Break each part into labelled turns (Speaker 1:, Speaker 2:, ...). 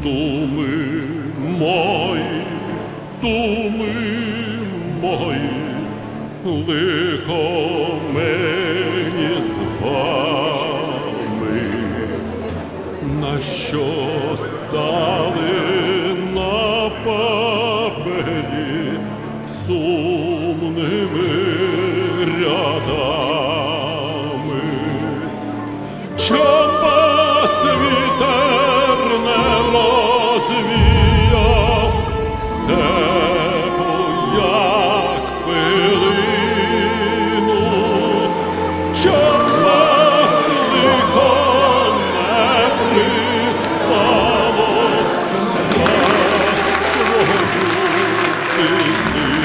Speaker 1: думи мої, лихо мені з вами, на що стали на папері сумними рядами. Чом вас вітер не розвіяв степу, як пилину? Чом вас лихо не приспало на свою дитину?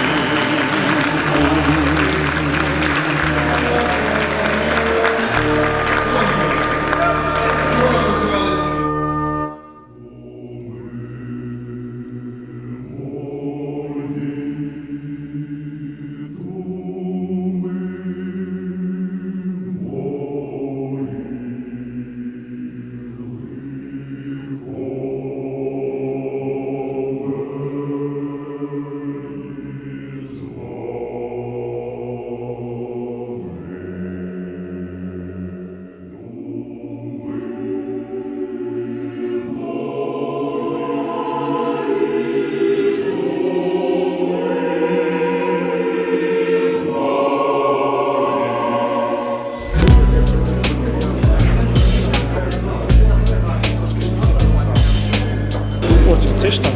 Speaker 2: Цей штаб.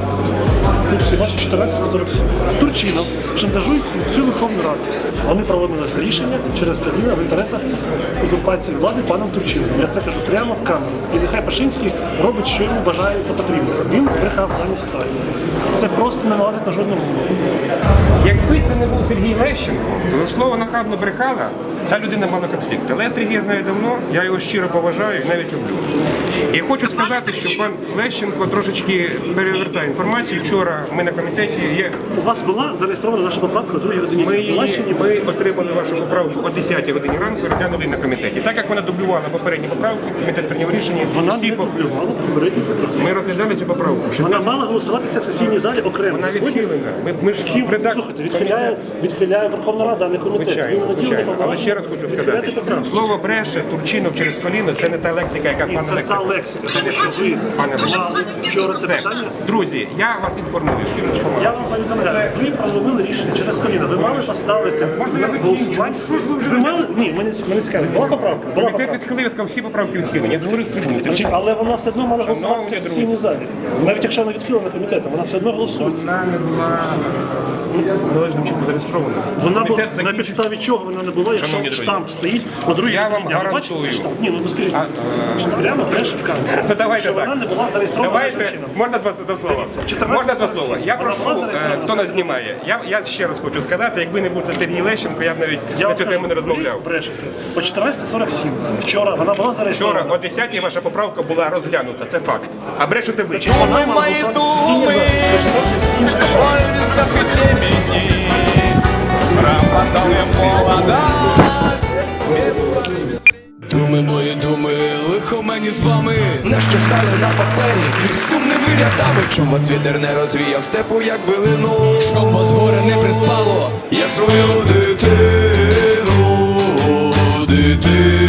Speaker 2: Тут всі бачать 1447. Турчинов шантажують всю Верховну Раду. Вони проводили це рішення через Кабмін в інтересах узурпації влади паном Турчиновим. Я це кажу прямо в камеру. І нехай Пашинський робить, що йому бажає за потрібне. Він збрехав в даній ситуації. Це просто не налазить на жодному мову.
Speaker 3: Якби це не був Сергій Лещенко, то слово нахабно брехала, ця людина мала конфлікт. Але я Сергія знаю давно, я його щиро поважаю і навіть люблю. І хочу сказати, що пан Лещенко трошечки перевертає інформацію. Вчора ми на комітеті є.
Speaker 2: У вас була зареєстрована наша поправка о 2 годині.
Speaker 3: Ми отримали вашу поправку о 10 годині ранку і розглянули на комітеті. Так як вона дублювала попередні поправки, комітет прийняв рішення.
Speaker 2: Вона не дублювала попередні поправки.
Speaker 3: Ми розглядали цю поправку.
Speaker 2: Вона мала голосуватися в сесійній залі окремо.
Speaker 3: Вона відхилена. Ми ж
Speaker 2: Слухайте, відхиляє Верховна Рада, а не комітет.
Speaker 3: Звичайно. Але ще раз хочу сказати, слово бреше, Турчинов через коліно, це не та лексика, яка пан
Speaker 2: це та лексика, тому що ви мали вчора це питання.
Speaker 3: Друзі, я вас інформую, щирочко.
Speaker 2: Я вам повідомляю, ви провели рішення через коліно, ви мали поставити на голосування. Ви мали? Ні, мене цікавить. Була поправка? Була
Speaker 3: Комітет
Speaker 2: поправка.
Speaker 3: відхилив, я сказав, всі поправки відхилені. Я говорив з трибуни.
Speaker 2: Але вона все одно мала голосуватися в сесійній залі. Навіть якщо вона відхилена комітетом, вона все одно голосується.
Speaker 3: Вона не була належним чином зареєстрована.
Speaker 2: Вона була на підставі чого вона не була, якщо штамп стоїть по другій
Speaker 3: Я вам
Speaker 2: годині. А ви бачите
Speaker 3: гарантую.
Speaker 2: цей штамп? Ні, ну ви скажіть, що прямо бреше в камеру.
Speaker 3: Ну давайте
Speaker 2: Що
Speaker 3: так.
Speaker 2: вона не була зареєстрована
Speaker 3: Давайте,
Speaker 2: чином.
Speaker 3: можна два слова? Можна два слова? Я прошу, хто нас знімає. Я ще раз хочу сказати, якби не був це Сергій Лещенко, я б навіть на цю тему не розмовляв.
Speaker 2: Ви брешете. О 14:47 вчора вона була зареєстрована.
Speaker 3: Вчора о 10-й ваша поправка була розглянута, це факт. А брешете ви.
Speaker 2: Вона мала голосуватися в сесійній залі.
Speaker 4: Вольность, как и темени, пропадала молодость.
Speaker 5: Думи мої думи, лихо мені з вами,
Speaker 4: На що стали на папері сумними рядами, чом вас вітер не розвіяв степу, як билину.
Speaker 5: щоб вас горе не приспало.
Speaker 4: Я свою дитину